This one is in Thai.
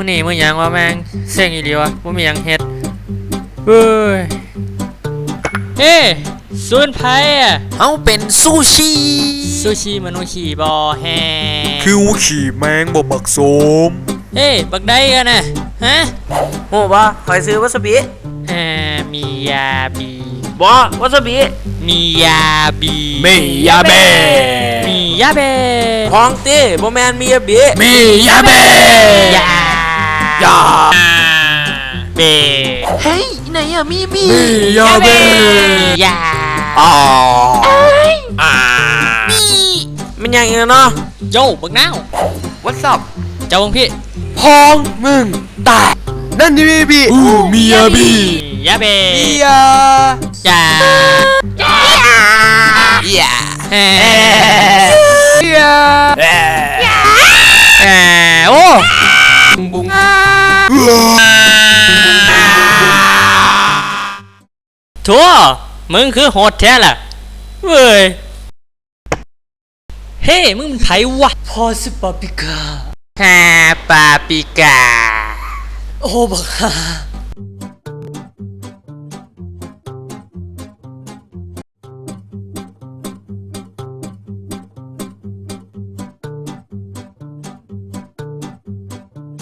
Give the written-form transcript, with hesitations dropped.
อนี่มื้อหยังวะแม่งเซ็งอีหลีวะบ่มีหยังเฮ็ดเฮ้ยเฮ้ศูนย์ไผอ่ะเอาเป็นซูชิซูชิมนุษย์ขี่บ่แฮคิวขี่แมงบ่บักโสมเฮ้บักได้กันน่ะฮะโหบ่คอยซื้อวาซาบิมียาบีบ่วาซาบิมียาบีมียาเบมียาเบห้องตีบ่แมนมียาบิมียาเบยายาเบเฮ้ยไหนอะมีมียาเบยาอ๋อมันยังไงเนาะโยบักนาว What's up เจ้าของพี่พองมึงตายนั่นนี่มีบีมียาบียาเบยายายาเฮ้ยาโอ้บุ้งทั่วมึงคือโหดแท้ล่ะเว้ยเฮ้มึงเป็นไผวะพอสิปาปิกาฮาปาปิกาโอ้บักฮา